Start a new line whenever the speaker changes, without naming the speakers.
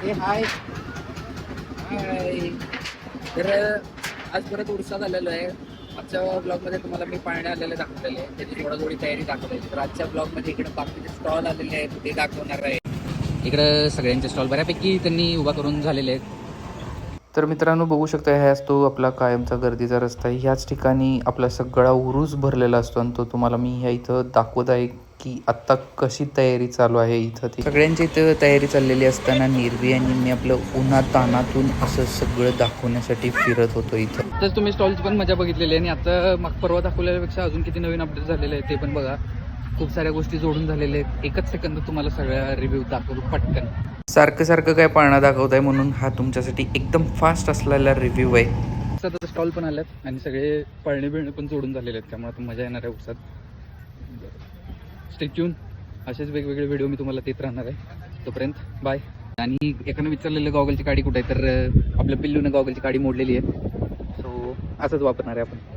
हाय हाय. तर आज परत उरसात आलेलो आहे. आजच्या ब्लॉगमध्ये तुम्हाला मी पाळणे आलेले दाखवलेले आहे, त्याची थोडी तयारी दाखवलेली. तर आजच्या ब्लॉगमध्ये इकडे बाकीचे स्टॉल आलेले आहेत ते दाखवणार आहे. इकडं सगळ्यांचे स्टॉल बऱ्यापैकी त्यांनी उभा करून झालेले आहेत.
तर मित्रांनो बघू शकता, ह्याच तो आपला कायमचा गर्दीचा रस्ता आहे. ह्याच ठिकाणी आपला सगळा उरूस भरलेला असतो आणि तो तुम्हाला मी ह्या इथं दाखवत आहे की आत्ता कशी तयारी चालू आहे. इथं ती सगळ्यांची इथं तयारी चाललेली असताना निर्वी आणि मी आपलं उन्हात तानातून असं सगळं दाखवण्यासाठी फिरत होतो इथं.
तर तुम्ही स्टॉलची पण मजा बघितलेली आहे आणि आता मग परवा दाखवलेल्यापेक्षा अजून किती नवीन अपडेट झालेले आहेत ते पण बघा. खूप साऱ्या गोष्टी जोडून झालेल्या आहेत. एकच सेकंद तुम्हाला सगळ्या रिव्ह्यू दाखवतो पटकन.
सारखं काय पाळणा दाखवत आहे म्हणून हा तुमच्यासाठी एकदम फास्ट असलेला रिव्ह्यू आहे.
आता स्टॉल पण आल्यात आणि सगळे पळणे बिळणे पण जोडून झालेले आहेत, त्यामुळे आता मजा येणार आहे उत्सात. Stay tune. असेच वेगवेगळे व्हिडिओ मी तुम्हाला देत राहणार आहे. तोपर्यंत बाय. आणि एकानं विचारलेलं गॉगलची काडी कुठे आहे, तर आपल्या पिल्लूनं गॉगलची काडी मोडलेली आहे. सो असंच वापरणार आहे आपण.